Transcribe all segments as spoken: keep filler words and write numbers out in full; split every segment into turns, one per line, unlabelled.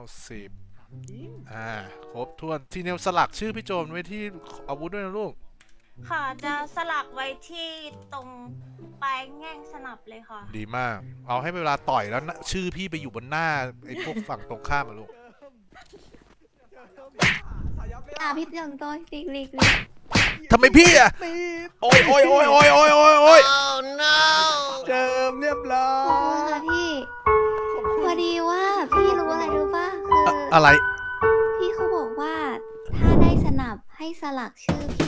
สิบอ่าครบถ้วนทีเนลสลักชื่อพี่โจมไว้ที่อาวุธด้วยนะลูก
ค่ะจะสลักไว้ที่ตรงปลายแง่งสนับเลยค่ะ
ดีมากเอาให้เวลาต่อยแล้วนะชื่อพี่ไปอยู่บนหน้าไอ้พวกฝั่งตรงข้ามมาลูก
อ่ะพี่เจิงต้นลิกลิกลิก
ทำไมพี่อะโอ้ยโอ้ยโอ้ยโอ้ยโอ้ยโอ้ยโอ้ย
เจิมเรียบร้อ
ขอบคุณ
ย
ค่ะพี่พอดีว่าพี่รู้อะไรรู้ป่ะคืออ
อะไร
พี่เขาบอกว่าถ้าได้สนับให้สลักชื่อพี่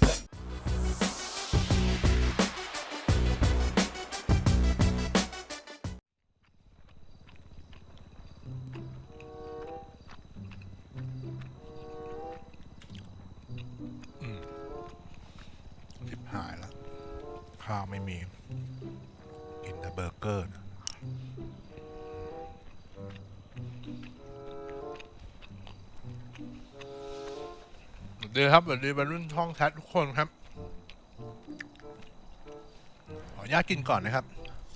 ชิบหายแล้วข้าวไม่มีกินแต่เบอร์เกอร์นะสวัสดีครับสวัสดีบรรลุช่องแชททุกคนครับขออนุญาตกินก่อนนะครับ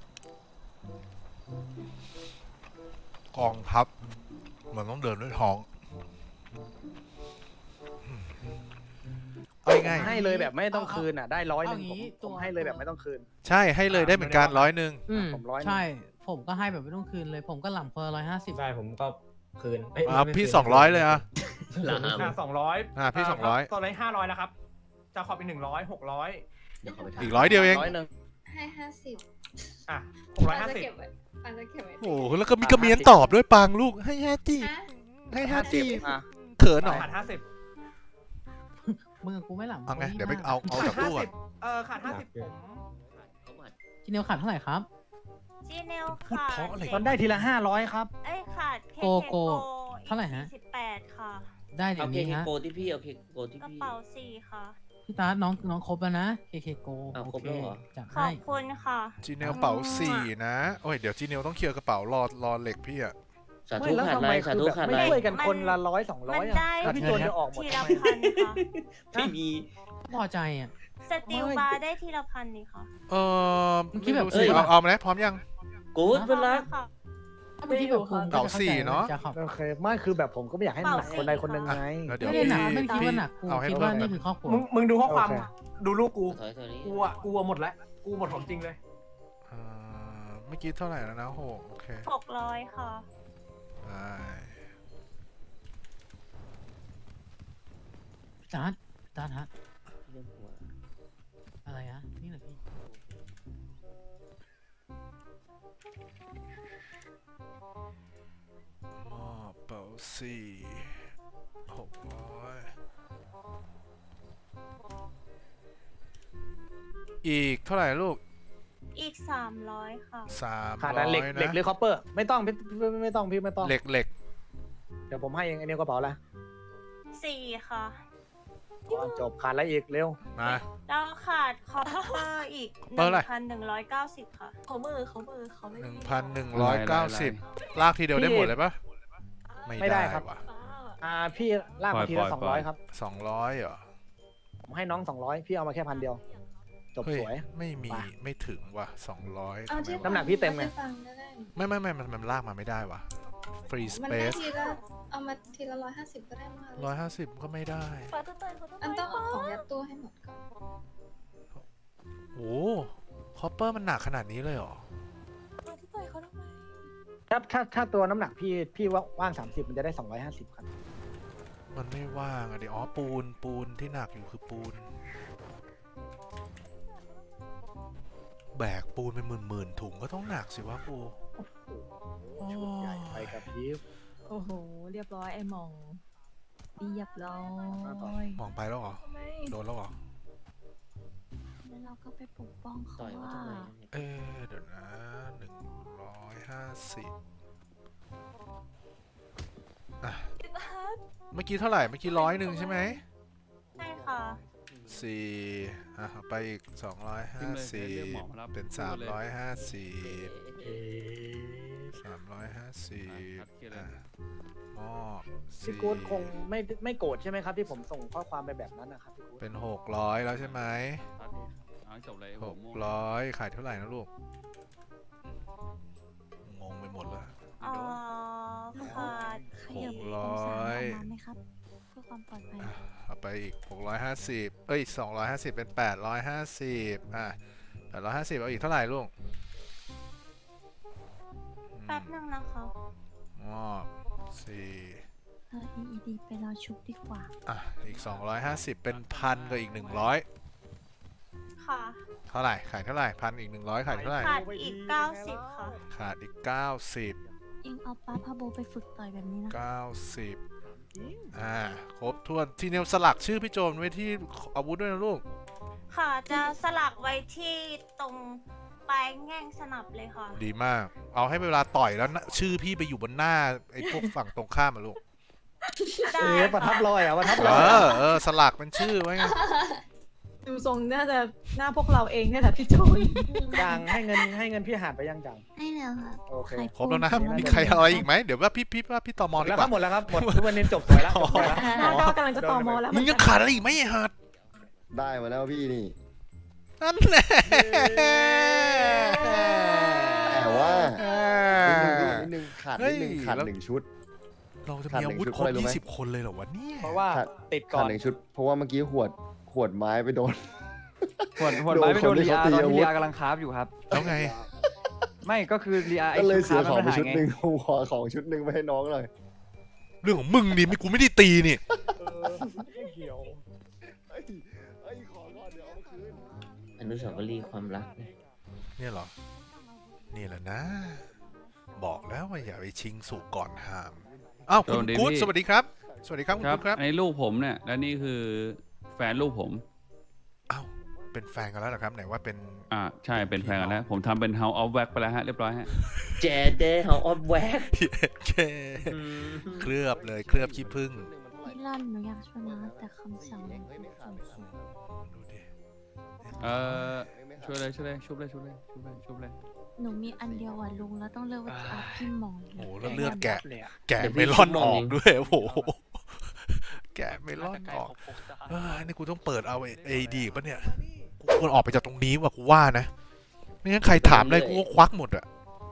กองทัพมันต้องเดินด้วยท้องเอาง่าย
ให้เลยแบบไม่ต้องคืนอ่ะได้ร้อยหนึ่งผมผมให้เลยแบบไม่ต้องคืน
ใช่ให้เลยได้เหมือนกันร้อยหนึ่ง
อืม
ผมร้อย
ใช่ ผมก็ให้แบบไม่ต้องคืนเลย ผมก็หล่ำคนละร้อยห้าสิบ
ใช่ผมก็คืนเอ้ย
อ่ะ
ไม่
พี่
คืน
สองร้อยเลยอ่ะ
หลาม
อ่ะสองร้อย
อ่ะพี่สองร้อย
ตอนนี้ห้าร้อยนะครับ จะขอเป็นหนึ่งร้อยหกร้อย
เดี๋ยวเขาไปทำ
อีกร้อยเดียวเอง
ร้อยหนึ่ง
ให้ห้าสิบ
อ่ะหกร้อยห้าสิบ
ปันจะเก็บไว้
โอ้โหแล้วก็มีกระเมียนตอบด้วยปังลูกให้ห้าจีให้ห้าจี
อ่ะ
เขินหน่อย
ขาดห้าสิบ
มึงกับกูไม่หล่ำ
เอาไงเดี๋ยวไปเอาเอาจากตู้ก่อน
เออขาดห้าสิบผม
จีเนียวขาดเท่าไหร่ครับ
จีเนล
พูด
ขาด
เพราะอะไร
มันได้ทีละห้าร้อยครับ
เอ้ยขาดเค
โกโก้
โก
เท่าไหร่ฮะ
สิบแปดค่ะ
ได้เดี๋
เอา
ยว
เค
นี้
เค
ฮะ
โกที่พี่เอาเคโกที่
กระ
พี่
เป๋าสี่ค่ะ
พี่ตาน้องน้องครบแล้วนะ เคเคโก
อ้าว
โอ
ครบ
เค
แล้วเหรอ
จัด
ขอ
ให้
บคุณค่ะ
จีเนลเป๋าสี่นะโอ้ยเดี๋ยวจีเนลต้องเคลียร์กระเป๋ารอรอเหล็กพี่อะ
สา
ไม่
ธุ
แล้ว
ขาด
ทำ
ไร
ไม
สา
คือ
ธุ
แบบ
ขาด
ไม่
ไร
ช่วยกันคนละร้อยสองร้
มั
อย
น
อ่ะ
ได้
แล้วพี่โจนจะออกหมด
ที
ทำ
ละ
ไม
พันค่ะ
ไม่มี
พอใจอ่ะ
สติลบาร์ได้ทีละพันนี่ค่ะ
เออ
เมื่อกี้
ไม่
แบบ
รู้สิ
เอ้ย
เอาเอามาแล้วพร้อมยัง
กูดเป็นรัก
ค่ะ
เมื่อกี้แบบกู
เก่าสี่เนอะ
จะขอบ
โอเคไม่คือแบบผมก็ไม่อยากให้มันหนักคนใดคนหนึ่งไง
แล้วเดี๋ยว
ไม่ได้หนัก
พี่
ไม่ได้คิดว่าหนักกู
เอาให้
คิด
เพิ่
ว่าม นี่
นะ
คือครอบครัว
มึงมึงดูข้อความ
โอเค
ดูลูกกู
ถอยถอยนี้
กูอ่ะกูอ่ะหมดแล้ว กูหมดของจริงเลย
เอ่อเมื่อกี้เท่าไหร่แล้วนะโหโอเค
หกร้อยค่ะ
ได้
พี่ตาพี่ตาฮะ
เรื่องหัว
อะไรฮะนี่แหละพี่
มอบเป๋าสี่หกร้อยอีกเท่าไหร่ลูก
อีกสามร้อยค่ะ
สาม
ขาด
ร้
อะ
อ
ไร
ย
เหล็กเหล็ก
นะ
หรือคอปเปอร์ไม่ต้องพี่พี่ไม่ต้องพี่ไม่ต้อง
เหล็กเหล็ก
เดี๋ยวผมให้เองไอ้เนี่ยกระเป๋าละ
สี่ค่ะ
อ๋อจบขาดอะไรอีกเร็ว
มา
แล้วขาดคอปเปอร์อีกห
เปอร์
นึ่
อะไร
งพันหนึ่งร้อยเก้าสิบค่ะ
เขามือเขามือเขาไม่
หนึ่ง
มี
พันหนึ่งร้อยเก้าสิบลากทีเดียวได้หมดเลยปะไม่ได้ว่ะ
อ่าพี่ลากมาทีละสองร้อยครับ
สองร้อยเหรอ
ผมให้น้องสองร้อยพี่เอามาแค่พันเดียว จบ
เฮ้ย
สวย
ไม่มี
ไป
ไม่ถึงว่ะสองร้อย
เอาที่
น้ำหนักพี่เต็มไง
ฟังก็ได้
ไม่ไม่ไม่มันมันลากมาไม่ได้ว่ะฟรีส
มัน
เป
ได้
ซ
ทีละเอามาทีละร้อยห้าสิบก็ได้มา
ร้อยห้าสิบก็ไม่ได้
ฟ้าต้องเติมเขาต้องอันต้องเอาของยัดตู้ให้หมดก่อน
โอ้คอปเปอร์มันหนักขนาดนี้เลยเหรอ
ฟ้าที่ต่อยเขาทำไม
ถ้าถ้าถ้าตัวน้ำหนักพี่พี่ว่างสามสิบมันจะได้สองร้อยห้าสิบครับ
มันไม่ว่างอะดิอ๋อปูนปูนที่หนักอยู่คือปูน แบกปูนเป็นหมื่นหมื่นๆถุงก็ต้องหนักสิวะปูโอ้
ใหญ่ไปกับพี่
โอ้โหเรียบร้อยไอ้หมองเรียบร้อย
มองไปแล้วเหรอ
ทำไม
โดนแล้วเหรอ
แล้วเราก็ไปปกป้องเขา
ต่อยว่า
ว่า
ทำไม
เอ๊ะเดี๋ยวนะหนึ่งร้อยห้าสิบอ่ะ
พี่ตา
เมื่อกี้เท่าไหร่ เมื่อกี้ร้อยหนึ่งใช่ไหม
ใช่ค่ะ
สี่อ่ะเอาไปอีกสองร้อยห้าสิบเป็นสามร้อยห้าสิบ
เอ๊ะ
สามร้อยห้าสิบอ่ะมอบ
พี่กู๊ดคงไม่ไม่โกรธใช่ไหมครับที่ผมส่งข้อความไปแบบนั้นนะครับพี่กู๊ด
เป็นหกร้อยแล้วใช่ไหม
จบเลย
หกร้อยขายเท่าไหร่นะลูก งงไปหมดแล้ว
เอ่อขาด
ห
ตามไหมครับเพื่อความปลอดภัย
อ่ะเอาไปอีกหกร้อยห้าสิบเอ้ยสองร้อยห้าสิบเป็นแปดร้อยห้าสิบอ่ะแปดร้อยห้าสิบเอาอีกเท่าไหร่ลุง
แป๊บนึงนะคะ
งอสี่
เออ อี อี ดี ไปรอชุบดีกว่า
อ่ะอีกสองร้อยห้าสิบเป็นพันกับอีกหนึ่งร้อย
ค่ะ
เท่าไหร่ขายเท่าไหร่พันอีกหนึ่งร้อยขายเท่าไหร่
ขาดอีกเก้าสิบค่ะ
ขาดอีกเก้าสิบ
เองเอาป้าพาโบไปฝึกต่อยแบบนี้นะ
เก้าสิบอ่าครบถ้วนทีเนลสลักชื่อพี่โจนไว้ที่อาวุธด้วยนะลูก
ค่ะจะสลักไว้ที่ตรงปลายแง่งสนับเลยค่ะ
ดีมาก เอาให้เวลาต่อยแล้วนะชื่อพี่ไปอยู่บนหน้าไอ้พวกฝั่งตรงข้ามมาลูก
ได้
เอ๊ะประทับรอยอ่ะประทับ
เอ
รอย
อเออสลักเป็นชื่อไว้ไง
ดูทรงน่าจะหน้าพวกเราเองเนี่ยแหละพี่โจน
จังให้เงินให้เงินพี่หาดไปยังจัง
ให้แล้วครับ
โอเค
ใคร
ครบแล้วนะ
พูด
มีใครอะไรอีกไหมเดี๋ยวว่าพี่พี่ว่าพี่ตอมอดี
แล้
ก
วครั
ว่า
บหมดแล้วครับหมดทุกวันนี้จบสวยแล้วจบสวยแล้ว
หน้าก็กำลังจะตอมอแล้ว
มึงยังขาดอะไรอีกไหมไอ้หัด
ได้มาแล้วพี่นี่
นั่นแหละ
แต่ว่า
เอ
นิดนึง
อ
นิดนึงขาด
เฮ้
นิ
ย
ดนึงขาด
แล้ว
หนึ่งชุด
เราจะ
ขาด
มี
หนึ่
อาง วุธ
ชุด
ครบ
อะไรรู้ไหม
ยี่สิบคนเลยเหรอวะเนี่ย
เพราะว่าติดก่
ขา
อ
ด
น
หนึ่งชุด เพราะว่าเมื่อกี้หวดขวดไม้ไปโดน
หวดหวดไม้ไปโดน
โดนคนที่
ลีอา
เขาตี
ตอน
อาวุธ
ที่ลีอากำลังคราฟอยู่ครับ
แล้วไง
ไม่ก็คือลีอา
ก็เลยเสียของไป
ไชุ
ชุ
ด
ด
คราฟ
หนึ่ง
มั
ผมขอของชุดหนึ่งไปให้น้องหน่อย
เรื่องของมึงดิไม่กูไม่ได้ตีนี่
เออไม่เกี่ยว
เอ้ยเอ้ยขอก่อนเดี๋ยวเอามาคืน
อนุสาวรีย์ความรักนะ
เนี่ยเหรอ นี่แหละนะ บอกแล้วว่าอย่าไปชิงสุกก่อนห้าม อ้าวคุณกู๊ดสวัสดีครับ สวัสดีครับคุณ
ครับ
กู๊ดครับ
อันนี้ลูกผมเนี่ยและนี่คือแฟนลูกผม
อ้าว เป็นแฟนกันแล้วเหรอครับ ไหนว่าเป็น
อ่าใช่เป็นแฟนกันแล้ว ผมทำเป็น House of Wax ไปแล้วฮะเรียบร้อยฮะ
แจเดเฮาออฟแว็ก
เคเคลือบเลยเคลือบขี้ผึ้ง
พี่ล่อนหนูอยากชวนนะแต่คำสั่งมันส่งสูง
ดูดิ
เอ่อช่วยเลยช่วยเลยชุบเลยชุบเลยชุบเลยชุบเลย
หนูมีอันเดียวอ่ะลุงแล้วต้องเลือกว่าจะเอาพี่หมองหรื
โอ้
อ
โหแล้วเลือดแกะ
เลยอะ
แกะเมลอนออกด้วยโอ้โหแกะเมลอนออกเอ้ยนี่กูต้องเปิดเอาเอดีป่ะเนี่ยกูควรออกไปจากตรงนี้ว่ะกูว่านะไม่งั้นใครถามอะไรกูก็ควักหมดอะ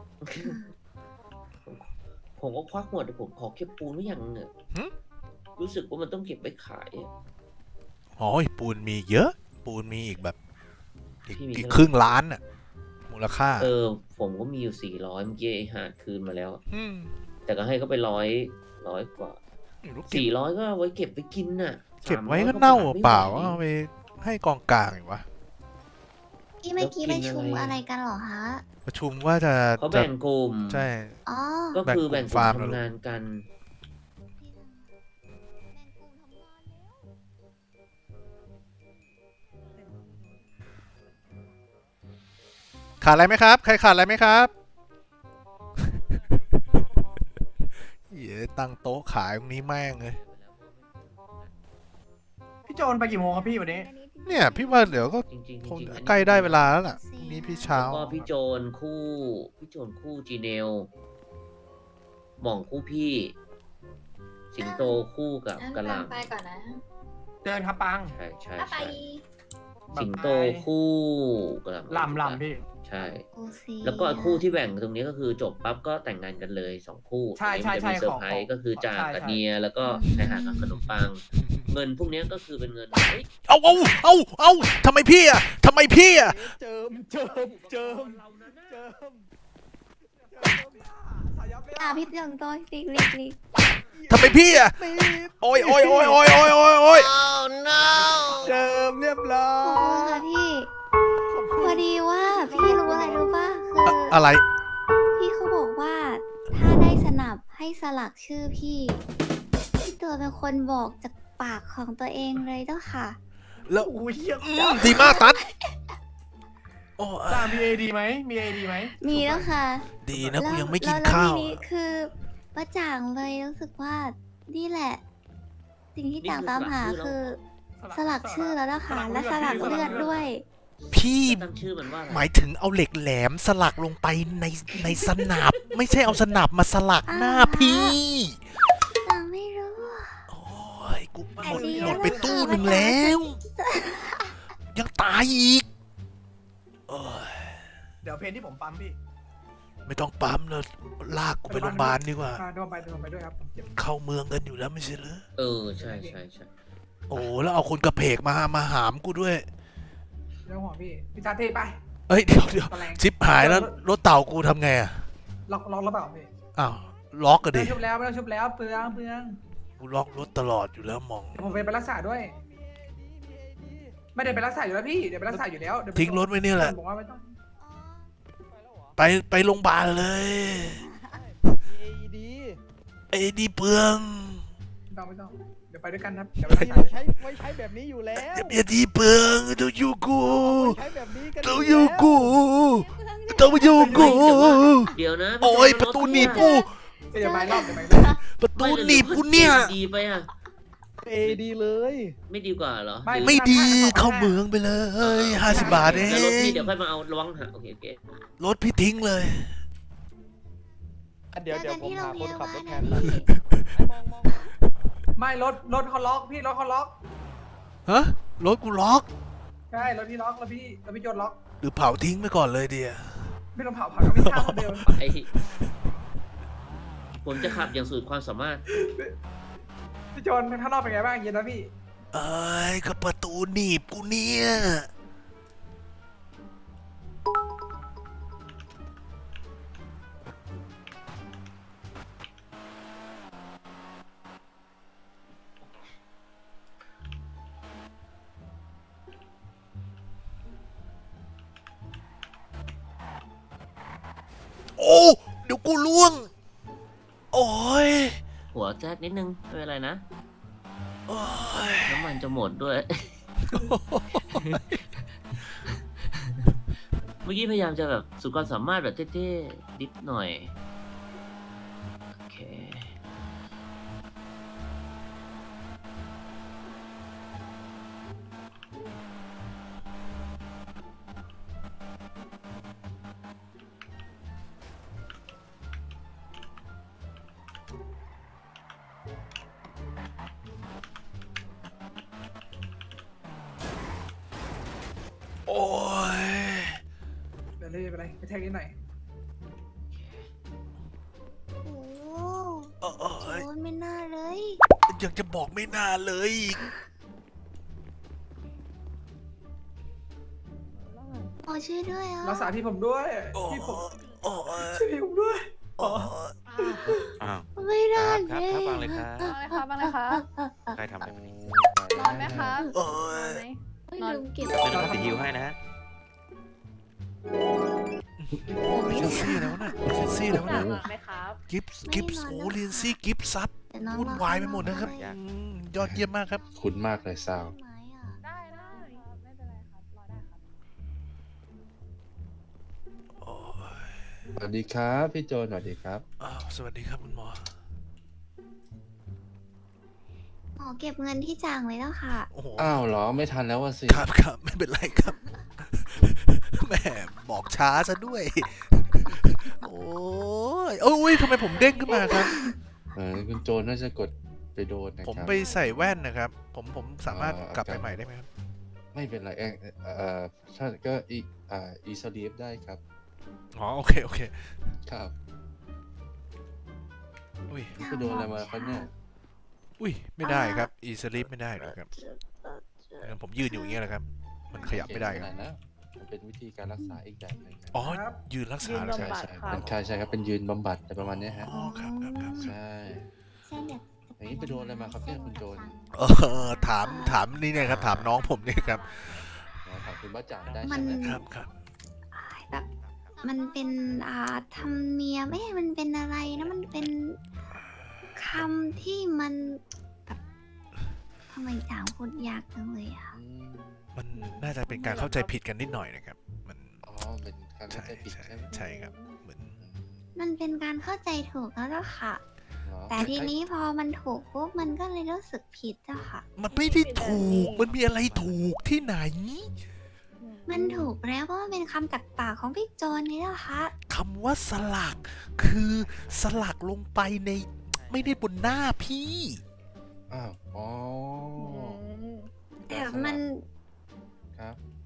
ผมก็ควักหมดแต่ผมขอเก็บปูนไว้อย่างหนึ่งรู้สึกว่ามันต้องเก็บไว้ขายอะ
อ๋อปูนมีเยอะ ปูนมีอีกแบบอีก
พี่มี
อีก
เท่าไหร่
ครึ่งล้านอะมูลค่า
เออ ผมก็มีอยู่สี่ร้อยเมื่อกี้ไอ้หาดคืนมาแล้ว
อืม
แต่ก็ให้เขาไปร้อยร้อยกว่า
ไม่รู้เก็บ
สี่ร้อยก็เอาไว้เก็บไปกินน่ะ
เก็บไว้
สมร้อย
ก็เน่า
บท
เปล่า
ไม่ไหว
เอาไปให้กองกลางอยู่วะ
พี่เมื่อกี้
แล้ว
ไป
กิน
ชุม
อะไร
อะไรกันเหรอคะ
ประชุมว่าจะ
เขา
จะ
แบ่งกลุ่ม
ใช่
อ๋อ
ก็คือแบ่งก
แบ่งกลุ่มฟาร์ม
ลุ่มทำงานกัน
ขาดอะไรไหมครับ ใครขาดอะไรไหมครับ เหี้ยตั้งโต๊ะขายตรงนี้แม่งเลย
พี่โจนไปกี่โมงครับพี่วันนี้
เนี่ยพี่ว่าเดี๋ยวก็
จริงๆจริง
คง
ๆอันนี้
ใกล้ได้เวลาแล้วล่ะพรุ่งนี้พี่เช้า
แล้วก็พี่โจนคู่พี่โจนคู่จีเนลหม่องคู่พี่ สิงโตคู่กับกะหล่ำ
ไปก่อนนะ
เดินครับปัง
ใช่ใช่
ไป
ใช่สิงโตคู่กะหล่ำ
ลำลำพี่
ใช่
โอซี
แล้วก็คู่ที่แบ่งตรงนี้ก็คือจบปั๊บก็แต่งงานกันเลยสองคู่
ใช่ใช่
อันนี้
ใช่
มันจะมีเซอร์ไพร
ขอ
ส์
ขอ
ก็คือจาก
ใช่
กับ
ใช่
เนียแล้วก็ชายหาดกับขนมปัง เงินพวกนี้ก็คือเป็นเงินเฮ้ย
เอาเอาเอาเอาทำไมพี่อ่ะทำไมพี่อ่ะ
เจิมเจิมเจิมเจิม
อ่ะพี่เจิงต้อยลิกลิกลิก
ทำไมพี่อ่ะโอ้ยโอ้ยโอ้ยโอ้ยโอ้ยโอ้ยโอ้ย
เจิมเรียบร้อ
ขอบคุณ
ย
ค่ะพี่ พอดีว่าพี่รู้อะไรรู้ป่ะคือ
อะไร
พี่เขาบอกว่าถ้าได้สนับให้สลักชื่อพี่พี่ตัวเป็นคนบอกจากปากของตัวเองเลยเจ้าค่ะ
แล้ว
โอ้ยเหี้ย
อืมดีมากตัดโอ้
ตามมีเอดีไหมมีเอดีไหม
มีแล้วค่ะ
ดีนะกูยังไม่กิน
แล้ว
ข้าว
แล้วทีนี้คือประจ่างเลยรู้สึกว่านี่แหละ สิ่งที่ต่างตามหาคือสลักชื่อแล้วนะคะและสลักเลือดด้วย
พี่
ตั้งชื่อมันว่าอะไร
หมายถึงเอาเหล็กแหลมสลักลงไปในในสนับ ไม่ใช่เอาสนับมาสลักหน้าพี่
เราไม่รู้
โอ้ยกูหม
อัน
ด
นี้
หมดไป
แล้ว
ตู้
ค่ะ
หนึ่งแล้ว ยังตายอีกเอ้ย
เดี๋ยวเพลงที่ผมปั๊มพี่
ไม่ต้องปั๊มเลยลากกูไปโรงพยาบาลดีกว่า
อ่าโดนไปโดนไปด้วยครับผมเจ็บ
เข้าเมืองกันอยู่แล้วไม่ใช่เหรอ
เออใช่ใช่ใช่
โอ้แล้วเอาคนกระเพกมามาหามกูด้วย
เรื่องหัวพี่พี่ชาเต้ไป
เอ้ยเดี๋ยวเดี๋ยว
ตะแรง
ชิปหายแล้วรถเต่ากูทำไงอ่ะ
ล็อกล็อกแล้วเปล่าพี่
อ้าวล็อกก็
ไม่
ดิ
ต้องชุบแล้วไม่ต้องชุบแล้วเปลืองเปลือง
กูล็อกรถตลอดอยู่แล้วมอง
เดี๋ยวผมไปไปรักษาด้วย ไม่ได้ไปรักษาอยู่แล้วพี่เดี๋ยวไปรักษาอยู่แล้วเดี๋ยวไป
ทิ้งรถไว้เนี่ยแหละ
บอกว่าไม่ต้อง
ไปไปโรงพยาบาลเลย
เอดี
ไอ้ดีเปลือง
ไม่ต้องไม่ต้องเดี๋ยวไปด้วยกันครับเดี๋ยว
เรา
ไปรักษา
ใช้ไว้ใช้แบบนี้อยู่แล้ว
อย่าดีเปลืองต้องอยู่กู
ใช้แบบนี้กัน
ต้องอยู่กูต้องอยู่กู
เดี๋ยวนะ
โอ้ยประตูหนีบกู
เดี๋ยวไปรอบเดี๋ยวไปรอบ
ประตูหนีบกูเนี่ย
ดีไปอ่ะ
เอดีเลย
ไม่ดีกว่าเหรอ
ไม่ดีเข้าเมืองไปเลยห้าสิบบาทเอ
แล้วรถพี่
ง
เดี๋ยวค่อยมาเอาระวังหาโอเคโอเค
รถพี่ทิ้งเลย
เดี๋ยวเดี๋ยวผมหาคนขับรถแทน
เจอ
นะ
กันที่โรงพยาบาลนะพี่
มองมอง
ไม่รถรถเขาล็อกพี่รถเขาล็อก
ฮะรถกูล็อก
ใช่รถพี่ล็อกแล้วพี่แล้วพี่โจนล็อก
หรือเผาทิ้งไปก่อนเลยเดีย
ไม่ต้องเผาผักก็ไม่ฆ่าคนเดียว
ไปผมจะขับอย่างสุดความสามารถ
พี่โจนข้างนอกเป็นไงบ้างเย็นนะพี่
เอ้ยก็ประตูหนีบกูเนี่ย โอ้เดี๋ยวกูล่วง โอ้ย
หัวแจ๊ดนิดนึงไม่เป็นไรนะ
โอ้ย
น้ำมันจะหมดด้วย เมื่อกี้พยายามจะแบบสุดความสามารถแบบเท่ๆนิดหน่อย โอเค
โอ้ย
เดี๋ยวเลยไปเลยไปแทงนิดหน่อย
โอ้
โอ้
โห
ย
ไม่น่าเลย
อยากจะบอกไม่น่าเลย
ขอช่วยด้วยอ่ะ
รักษาพี่ผมด้วย
โอ้
พี่ผม
โอ้ย
ช่วยพี่ผมด้วย
โอ้ย
ไม่ได้
ครับครับวางเลยครับ
บ้างเลยครับบ้างเลยครับ
ใครทำอะไรแบบนี้
นอนไหมครับ
โอ้
นอน
ย
ไหม
ไม่ลืมเก็บ
เดี๋ยวเราไปฮิวให้นะฮะ
เซ็กซี่แล้วนะเซ็กซี่แล้ว
อยา
นะ
กนอนไหมครับ
กิฟส์กิฟส์โอ้เรียนซี่กิฟส์ซับ
แต่น้อง
วุ่นวายไปหมดนะครับ
อยาก
อืมยอดเยี่ยมมากครับ
คุณมากเลยซาว
ไม้อ่ะ
ได้ได้ครับไม่เป็นไรครับรอได้ครับ
โอ้ย
สวัสดีครับพี่โจนสวัสดีครับ
อ้าวสวัสดีครับคุณหมอ
หมอเก็บเงินที่จ่างไว้แล้วค่ะ
โอ้โห
อ้าวเหรอไม่ทันแล้วว่ะสิ
ครับครับไม่เป็นไรครับ แหม่บอกช้าซะด้วย โอ้ยโอ้ยทำไมผมเด้งขึ้นมาครับ
เออคุณโจนน่าจะกดไปโดนนะ
ผม
ครับ
ไปใส่แว่นนะครับ ผมผมสามารถ
เอ่อ
กลับไป
ครับ
ใหม่ได้ไหมครับ
ไม่เป็นไรเองเอ่อถ้าก็อีอ่าอีสลีฟได้ครับ
อ๋อโอเคโอเค
ครับ
อุ้ย
ไปโดนอะไรมาครับเนี่ย
อุ้ยไม่ได้ครับ อีสลิปไม่ได้หรอกครับเออผมยืนอยู่อย่างเงี้ยแหละครับ มันขยับไม่ได้ครับ
เก่งขนานะมันเป็นวิธีการรักษาอีกแบบหนึงครับ
อ๋อยืนรักษาเหรอ
ใช่
ครับ
ใช่เป็นใช่ใช่ครับเป็นยืนบำบัดอะไรประมาณเนี้ยฮะ
อ๋อครับครับครับ
ใช่
ใช่เนี่ย
อย่างนี้ไปโดนอะไรมาครับเนี่ยคุณโจร
เออถามถามนี่เนี่ยครับถามน้องผมเนี่ยครับ
นะถามคุณบ้าจ่างได้
มั
ใช่
น
ไหม
ครับครับ
แบบ มันเป็นอ่าธรรมเนียมไม่มันเป็นอะไรนะมันเป็นคำที่มันแบบทำไมจ่างพูดยากจังเลยอ่ะ
อืม
มันน่าจะเป็นการเข้าใจผิดกันนิดหน่อยนะครับ มัน
อ๋อเป็นการเข้า
ใช่
ใจผิด
ใช่
ใช่ไหม
ใช่ครับเหมือน
มันเป็นการเข้าใจถูกแล้วล่ะค่ะ
เหรอ
แต่ทีนี้พอมันถูกปุ๊บมันก็เลยรู้สึกผิดอะค่ะ
มันไม่ได้ถูกมันมีอะไรถูกที่ไหน
มันถูกแล้วเพราะมันเป็นคำจากปากของพี่โจนนี่แหละค่ะ
คำว่าสลักคือสลักลงไปในไม่ได้บนหน้าพี่
อ้าวอ๋อ
แต่มัน
ครับ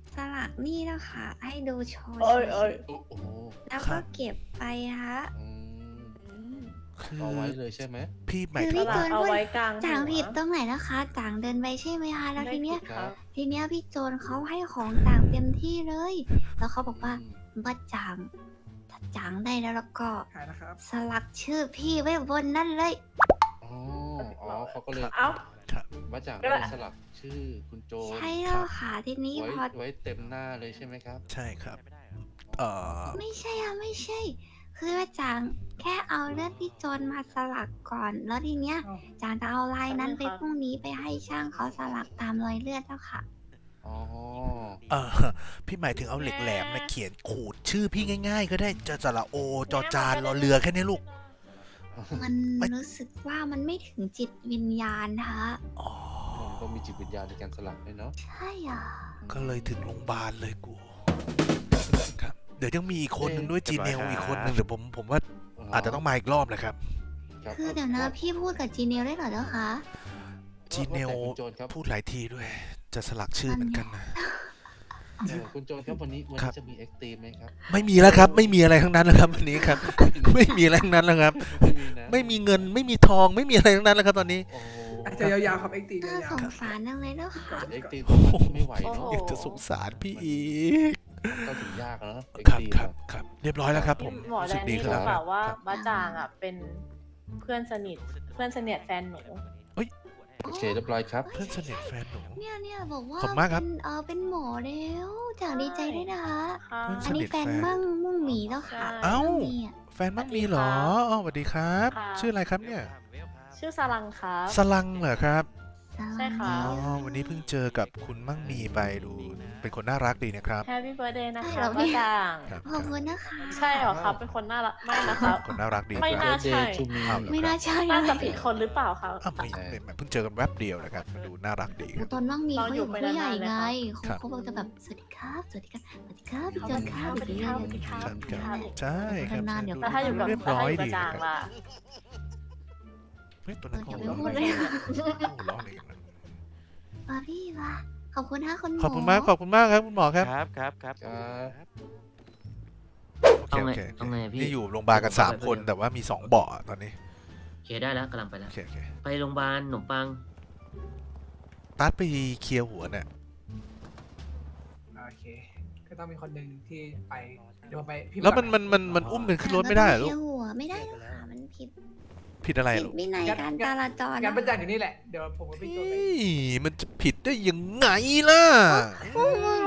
สลักนี่นะคะ ให้ดูโชว์
เอ้ยเอ้ย
โอ้โห
แล้วก็เก็บไปฮะ
อืม
คือ
เอาไว้เลยใช่ไหม
พี่หมาย
คือ
ถึ
พี่
ง
โจ
ว่าน
พูด
กลาง
จางผิดตรงไหนนะคะจางเดินไปใช่ไหมคะแล้วทีเนี้ย
ครับ
ทีเนี้ยพี่โจนเขาให้ของจางเต็มที่เลย แล้วเขาบอกว่าว่าจางถ้าจางได้แล้วแล้วก็
ขายนะครับ
สลักชื่อพี่ไว้บนนั่นเลย
อ๋ออ๋อเขาก็เลย
เอ้า
มาจาก
ก็ได้
สลักชื่อคุณโจ
ใช่แล้วค่ะทีนี้
ไว้
พอ
ไว้เต็มหน้าเลยใช่ไหมครับ
ใช่ครับ เอ่อ
ไม่ใช่อะไม่ใช่ คือว่าจางแค่เอาเลือดพี่โจนมาสลักก่อน แล้วทีเนี้ย
อ้าว
จางจะเอาลายนั้น
ขอบ
ไป
คุณครับ
พรุ่งนี้ไปให้ช่างเขาสลักตามรอยเลือดแล้วค่ะ
อ๋อ
เออพี่หมายถึงเอาเหล็กแหลมนะเขียนขูดชื่อพี่ง่าย ๆ ก็ได้จะสระโอจอจานรอเรือแค่นี้ลูก
มัน
ไม่
รู้สึกว่ามันไม่ถึงจิตวิญญาณฮะ
อ๋อ
ก็มีจิตวิญญาณในการสลักด้วยเนาะ
ใช่อ่ะ
ก็เลยถึงโรงพยาบาลเลยกูครับเดี๋ยวยังมีอีกคนหนึ่งด้วยจีเนลอีกคนหนึ่งเดี๋ยวผมผมว่าอาจจะต้องมาอีกรอบนะครับ
รับ
คือเดี๋ยวนะพี่พูดกับจีเนียลได้เหรอเจ้าคะ
จีเนล
ว่าแต่คุณโจรครับ
พูดหลายทีด้วย จะสลักชื่อเหมือนกันนะ
เออคุณโจรครับวันนี้วัน
ครั
นี้
บ
จะมีเอ็กตีมไหมครับ
ไม่มีแล้วครับ ไม่มีอะไรทั้งนั้นแล้วครับวันนี้ครับ ไม่มีอะไรทั้งนั้นแล้วครับ
ไม่มีนะ
ไม่มีเงินไม่มีทองไม่มีอะไรทั้งนั้นแล้วครับตอนนี้
โอ้โห
อาจจะยาวๆครับเอ็กตี
น่าย
า
ส
ว
งสารจังเลยเจ้าค่ะ
เอ็กตีมต้องไม่ไหวเนาะ
อยากจะสงสารพี่อีก
เข้าถึงยากอะเนาะ
ครับ
เอ็กตีม
ครับครับเรียบร้อยแล้วครับ ผม
หมอ
รู้
แด
สึก
น
ดี
นี่
ขึ้น
รู้
แล้ว
เป
ครั
ล่า
บ
ว่า
ครับ
บ้าจางอ่ะเป็นเพื่อนสนิทเพื่อนสนิทแฟนหนู
โอเคเรียบร้อยครับ
เพื่อนสนิทแฟนหนู
เนี่ยเนี่ยบอกว่า
ขอบคุณมากครับ
เป็นเออเป็นหมอแล้วจางดีใจด้วยนะคะ
ค่ะ
เพื่อนส
อัน
นิ
นี้
ท
แฟน
แฟน
มั่งมุ่งหมีแล้วค่ะ
เอ้า
มั่งหมีอะ
แฟนมั่งมีเหรออ๋อสวัสดีครับ
ค่ะ
ชื่ออะไรครับเนี่ย
ชื่อสลังครับ
สลังเหรอครับ
ใช่ค่ะ
อ๋อวันนี้เพิ่งเจอกับคุณมั่งมีไปดู เป็นคนน่ารักดีนะครับ
แฮปปี้เบิร์ดเดย์นะ
ใช่
คะ
เหรอ
บ้า
พี่
จาง
ครับ
ขอบคุณนะคะ
ใช่เหรอครับ เป็นคนน่ารักไม่นะครับ
คนน่ารักดี
ไม่
ค
น่า
รับ
ใช่
ชูมี
อ้าวเหรอ
ไม่
ครั
น่า
บ
ใช่
น่า
นะ
จะผิดคนหรือเปล่าครับ
อ้าวไม่ไม่ไม่เพิ่งเจอกันแวบเดียวนะครับดูน่ารักดีครับ
ตอนมั่งมี
เรา
เขา
อ
อยู่ ยู่
ไป
ผู้ใหญ่
นานๆเลย
ไง
ค่ะ
เขาเขาบอกจะแบบสวัสดีครับสวัสดีครับสวัสดีครับพี่
ส
โจ
วัน สดี
ค
ค
รั
รั
บบ
สวัสดีครับสวัสดีครับ
ครับ
สวัสดีครับ
ใช่ครับ
นานๆเดี๋ยว
ดู
แต่ถ้าอยู่กับ
เรียบ
แต่
ร้อ
ถ้าย อยู่กับ
ดี
จาง
นะครับ
ล่ะ
เฮ้ยตัวนั้นเขา
อย่าไป
ร้อง
พูด
อะไร
เลย
กันโอ้ร้องอะไรกันนะ
มาพี่มาขอบคุณนะคุณหมอ
ขอบคุณมากขอบคุณมากครับคุณหมอครับ
ครับครับครับ
ครับ
โอเค
เอาไง
โอเค
เอาไงพี่
นี่อยู่โรงพยาบาลกันสามคนแต่ว่ามีสองเบาะตอนนี้
โอเคได้แล้วกำลังไปแล้
โอ
ว
เคโอเค
ไปโรงพยาบาลขนมปัง
ตัดไปเคลียร์หัวเนี่ย
โอเค ก็ต้องมีคนหนึ่งที่ไป เดี๋ยวผมไปพี่
แล้วมันมันมันมันอุ้มกันขึ้นรถไม่ได้เหรอลูก
เยวหัวไม่ได้หรอกค่ะมันผิด
ผิดอะไร
ผิด
ลูก
วินัยการจราจร
งานประ
นะ
จันอยู่นี่แหละ เดี๋ยวผมกับพี่โจไป
เฮ้ยมันจะผิดได้ยังไงล่ะอื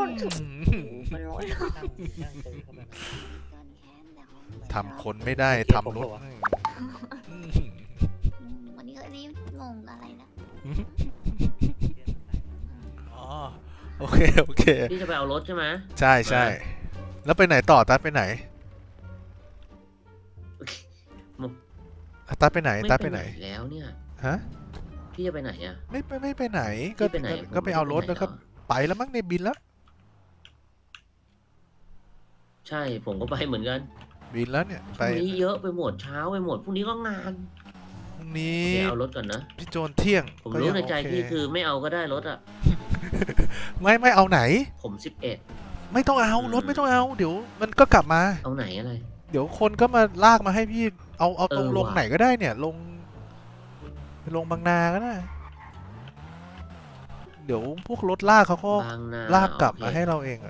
มทำคนไม่ได้ทำรถให้อืม
อืมวันนี้ก็รีบงงอะไรนะ
อ๋อโอเคโอเค
พี่จะไปเอารถใช่ไหม
ใช่ใช่แล้วไปไหนต่อตัดไปไหนอ่ะตัดไปไหน
ไม่
ตัด
ไป
ไป
ไห
ไห
น
น
แล้วเนี่ย
ฮะ
พี่จะไปไหนอ่ะ
ไม่ไปไม่ไปไหนก็
พี่ไปไหน
ก็ก็ไปเอารถ
ผมไม่
แล้วก็
ไปไหนหรอ
ไปแล้วมั้งในบินแล้ว
ใช่ผมก็ไปเหมือนกัน
บินแล้วเนี่ย
พ
ไป
รุ่งนี้เยอะไปหมดเช้าไปหมดพรุ่งนี้ก็งาน
พรุ่งนี้
เดี๋ยวเอารถก่อนนะ
พี่โจนเที่ยง
ผม
ก็
รู้
ยัง
ในใจ
โเ
พี่คือไม่เอาก็ได้รถอ่ะ
ไม่ไม่เอาไหน
ผมสิบเอ็ด
ไม่ต้องเอา
อืม
รถไม่ต้องเอา เดี๋ยวมันก็กลับมา
เอาไหนอะไร
เดี๋ยวคนก็มาลากมาให้พี่เอาเอาตรง
เออ
ลง
ว่ะ
ไหนก็ได้เนี่ยลงลงบางนาก็ได้ เดี๋ยวพวกรถลากเขาก็
บางนา
ลากกลับ
โอ
มา
เค
ให้เราเองอะ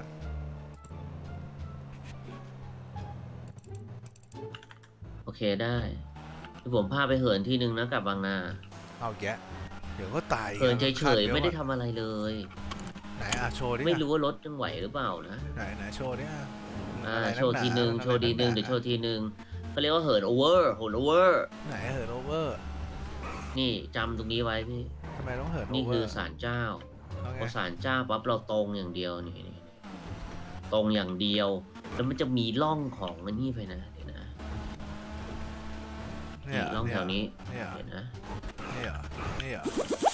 โอเคได้เดี๋ยวผมพาไปเหินที่นึงนะกลับบางนา
เอาแยะเดี๋ยวก็ตาย
เหินเฉ
คาด
ย
เยว
ๆไม่ได้
อะ
ทำอะไรเลย
ไหนอ่ะโชว์ดิ
ไม่รู้ว่ารถยังไหวหรือเปล่านะ
ไหนไหนโชว์ดิอ่ะ
อ่า
อะไรก
โชว์ทีหนึ่ง
อะไร
โชว์ทีหนึ่ง
ก
เดี๋ยวโชว์ทีหนึ่งเขาเรียกว่าเหินโอเวอร์เหินโอเวอร์
ไหนเหินโอเวอร์
นี่จำตรงนี้ไว้พี่
ทำไมต้องเหินโอ
นี่
เวอ
คือ
ร์
ศาลเจ้า
แล้วไง
พอศาลเจ้าปั๊บเราตรงอย่างเดียวนี่นี่ตรงอย่างเดียว แล้วมันจะมีร่องของอันนี้ไปนะเดี๋ยวนะ
เนี่
นี่
ย
ร่องแถวนี้
เนี่ย
เดี๋ยวนะ
นี่เหรอนี่เหรอ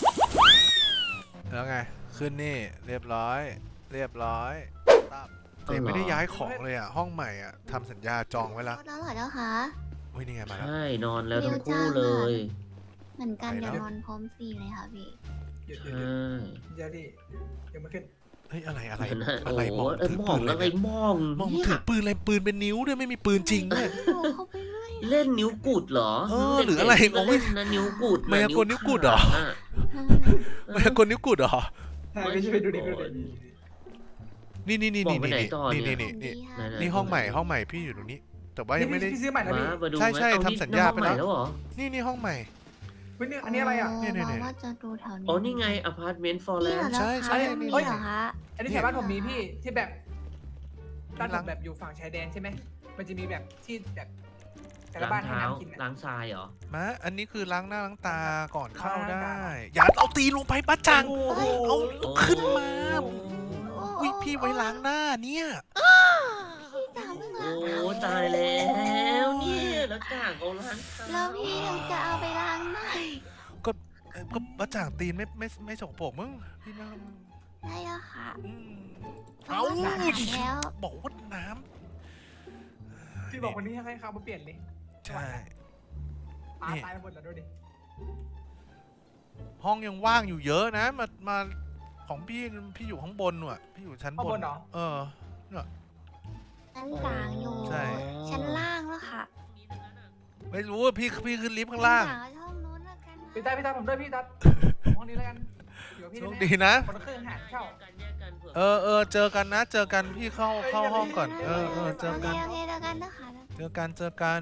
แล้วไงขึ้นนี่เรียบร้อย เรียบร้อยตับแต่ไม่ได้ย้ายของเลยอ่ะห้องใหม่อ่ะทำสัญญาจองไว้แล้ว
แล้วเหรอเจ้าคะ
เฮ้ยนี่ไงมาแล้ว
ใช่นอนแล้วทั้ง
เดี๋ยว
คู่
จ้าง
เลย
เหมือนกัน
ไป
อย่า
แล้ว
นอนพร้อมฟรีเลยค่ะพี่
เดี๋ยว
ใช
เดี๋ยว่ เดี๋ยวดิยังไม่ขึ้น
เฮ้ยอะไรอะไร
นั่นน่ะ
อะไร
โอ้
มอง
เออ
ถือ
ม
ปื
อง
นอะไร
อะไร
เนี่ย
มอง
มอง
เนี่ย
ถือปืนอะไรปืนเป็นนิ้วด้วยไม่มีปืนจริงด้วย
อยู่เข้าไปเรื่อย
เล่นนิ้วกุดเหรอ
เออหรืออะไร
เด็กๆ
มองไม่
เล่นนะนิ้วกุดนะ
มายากลนิ้วกุดเหรอ
ขาะ
มายากลนิ้วกุดเหรอ
ใช่ไม่ใช่ไปดูดิไปดูดิ
นี่นี่นี่
บอ
นี่
กไปไหน
นี่
ต่อ
นี่
เนี่
นี่
ย
นี่
ดี
ไหน
ค่ะ
ๆ
นี่ห้องใหม่ห้องใหม่พี่อยู่ตรงนี้ แต่ว่ายังไม่ได้
พี่ซื้อใหม่นะ
มา
พี่
มาดู
ใช่ใช่
ไหมเอา
ทำสัญญาไปแล้ว
นี่ห้องใหม่แล้วเหรอ
นี่นี่ห้องใหม่
เฮ้ยนี่อันนี้อะไรอ่ะ
เนี่ยเนี่ยเนี่ย
ว่าจะดูแถวนี้
อ๋อนี่ไงอพาร์ตเมนต์ฟอร์แล
นี่เหร
น
อ
ด์
ใช่ใช่
คะ
นี่
นี่เหรอคะ
อันนี้แถวบ้านผมมีพี่ที่แบบบ้าน
หลั
ผม
ง
แบบอยู่ฝั่งชายแดนใช่ไหมมันจะมีแบบที่แบบแต่ละ
ล้าง
บ้านให้
เท้า
น้ำกินอะ
ล้างทรายเหรอ
มาอันนี้คือล้างหน้าล้างตาก่อนเข้า
ล้างหน้า
ได้
ล้างตา
อย่าเอาตีลงไปป้าจัง
โอ้โห
เอาขึ้นมา
โอ้
อุ้ยพี่ไว้ล้างหน้าเนี่ย
พี่จ๋าเพิ่ง
โอ้
ล้าง
ตายแล้วเนี่ยแล้วจ่างเอาล้างเท้า
แล้วพี่ถึงจะเอาไปล้างหน้า
ก็เอ่อก็ป้าจ่างตีนไม่ไม่ไม่สกปรกมึงพี่ไม่
ได้แล้วค่ะ
อืม
เอา
เอา
สะอาดแล้ว
บอกว่าน้ำ
พี่บอกวันนี้ให้เขามาเปลี่ยนเลย
ใช่
ตา
นี่
ตายไปหมดแล้วดูดิ
ห้องยังว่างอยู่เยอะนะ มา มาของพี่ พี่อยู่ข้างบนน่ะ พี่อยู่ชั้น
ข้าง
บบ น
นเหรอ
เออ เนี่ย
ชั้นกลางอยู่
ใช่
ชั้นล่างแล้วค่ะ
ไม่รู้ว่าพี่ พี่ขึ้นลิฟต์ข้างล่าง
ชั้นกลางช่องนู้นแล้วกันนะ
พี่ตาพี่ตาผมด้วยพี่ตาห้องนี้แล้วกันอยู่กับพี่
โชค
แน่
ดีนะ
คนละครึ่งหารเช่า
แยกกันผื่
เออเออเจอกันนะ เจอกันพี่เข้า เข้าห้องก่อน เออเออเจอ
โอเค
กัน
โอเคแล้วกันนะคะ
เจอกัน เจอกัน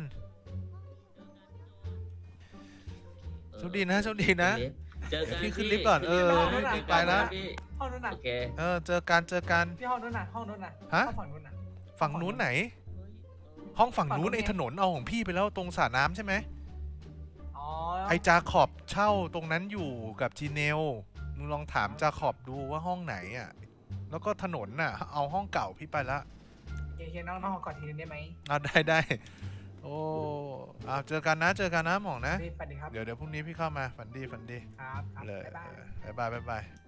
โชคดีนะ โชคดีนะ
เจอกัน
พี่ขึ้นลิฟต์ก่อนเออ
พี่
ไปละ
พี่
ห้องนู้นน่ะ
โอเค
เออ เจอกัน เจอกัน
พี่ห้องนู้นน่ะห้องนู้นน่ะ
ฮะ
ห้องฝั่งนู้นน่ะ
ฝั่งนู้นไหน ห้องฝั่งนู้น
ฝั่งนู้น
ไอ้ถนนเอาของพี่ไปแล้วตรงสระน้ำใช่ไหม
อ๋อ
ไอจาขอบเช่าตรงนั้นอยู่กับจีเนล มึงลองถามจาขอบดูว่าห้องไหนอ่ะ แล้วก็ถนนน่ะ เอาห้องเก่าพี่ไปละ
เคเคน้องน้องขอกอดทีนึงได้ไหม
เอาได้ได้ โอ้เอาเจอกันนะเจอกันนะหมองนะ
พี่สวัสดีครับ
เดี๋ยวเดี๋ยวพรุ่งนี้พี่เข้ามาฝันดีฝันดี
ครับครับ
เลย
บ๊ายบาย
เออบ๊ายบายบ๊ายบาย